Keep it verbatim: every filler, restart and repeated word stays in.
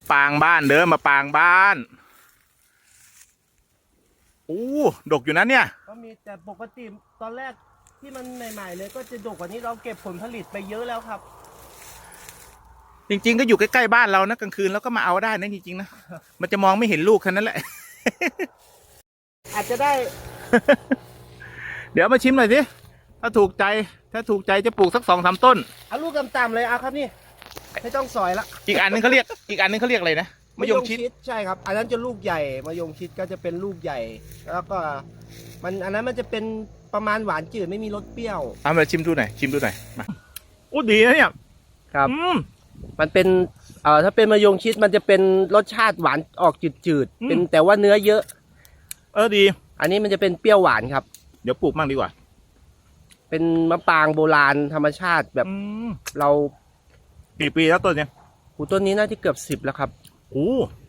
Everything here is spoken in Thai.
ปางบ้านเด้อมาปางบ้านอู้ดกอยู่นะเนี่ยก็มีแต่ปกติตอนแรกที่มันใหม่ๆเลยก็จะดกกว่านี้เราเก็บผลผลิตไปเยอะแล้วครับจริงๆก็อยู่ใกล้ๆบ้านเรานะกลางคืนแล้วก็มาเอาได้นะจริงๆนะมันจะมองไม่เห็นลูกแค่นั้นแหละอาจจะได้เดี๋ยวมาชิมหน่อยสิถ้าถูกใจถ้าถูกใจจะปลูกสักสองสามต้นเอาลูกต่ำๆเลยเอาครับนี่ไม่ต้องสอยละอีกอันนึงเขาเรียกอีกอันนึงเขาเรียกอะไรนะมะยงชิดใช่ครับอันนั้นจะลูกใหญ่มะยงชิดก็จะเป็นลูกใหญ่ แล้วก็มันอันนั้นมันจะเป็นประมาณหวานจืดไม่มีรสเปรี้ยวเอามาชิมดูหน่อยชิมดูหน่อยมาโอ้ดีนะเนี่ยครับอืมมันเป็นเอ่อถ้าเป็นมะยงชิดมันจะเป็นรสชาติหวานออกจืดอืมๆเป็นแต่ว่าเนื้อเยอะเออดีอันนี้มันจะเป็นเปรี้ยวหวานครับเดี๋ยวปลูกมั่งดีกว่าเป็นมะปรางโบราณธรรมชาติแบบอืมเรากี่ปีแล้วต้นเนี่ยหูต้นนี้น่าจะเกือบสิบแล้วครับโอ้